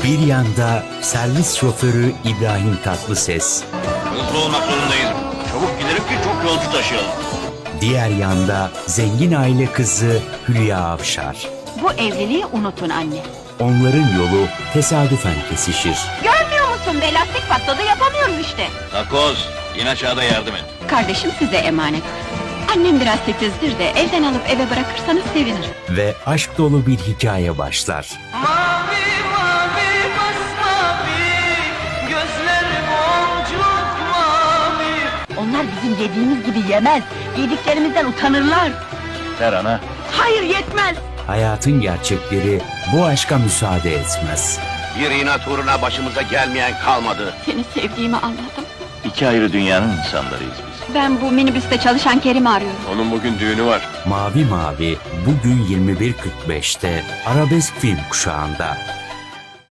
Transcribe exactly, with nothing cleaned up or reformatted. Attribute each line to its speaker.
Speaker 1: Bir yanda servis şoförü İbrahim Tatlıses,
Speaker 2: Hızlı olmak zorundayız. Çabuk gidelim ki çok yolcu taşıyalım.
Speaker 1: diğer yanda zengin aile kızı Hülya Avşar.
Speaker 3: Bu evliliği unutun anne.
Speaker 1: Onların yolu tesadüfen kesişir.
Speaker 3: Görmüyor musun be, lastik patladı, yapamıyorum işte.
Speaker 2: Takoz, in aşağıda yardım et.
Speaker 3: Kardeşim size emanet. Annem biraz titizdir de evden alıp eve bırakırsanız sevinirim.
Speaker 1: Ve aşk dolu bir hikaye başlar.
Speaker 4: Mavi mavi masmavi, gözler boncuk mavi.
Speaker 3: Onlar bizim yediğimiz gibi yemez. Yediklerimizden utanırlar.
Speaker 2: Ver ana.
Speaker 3: Hayır, yetmez.
Speaker 1: Hayatın gerçekleri bu aşka müsaade etmez.
Speaker 2: Bir inat uğruna başımıza gelmeyen kalmadı.
Speaker 3: Seni sevdiğimi anladım.
Speaker 2: İki ayrı dünyanın insanlarıyız biz.
Speaker 3: Ben bu minibüste çalışan Kerim'i arıyorum.
Speaker 2: Onun bugün düğünü var.
Speaker 1: Mavi Mavi bugün yirmi bir kırk beşte Arabesk Film Kuşağı'nda.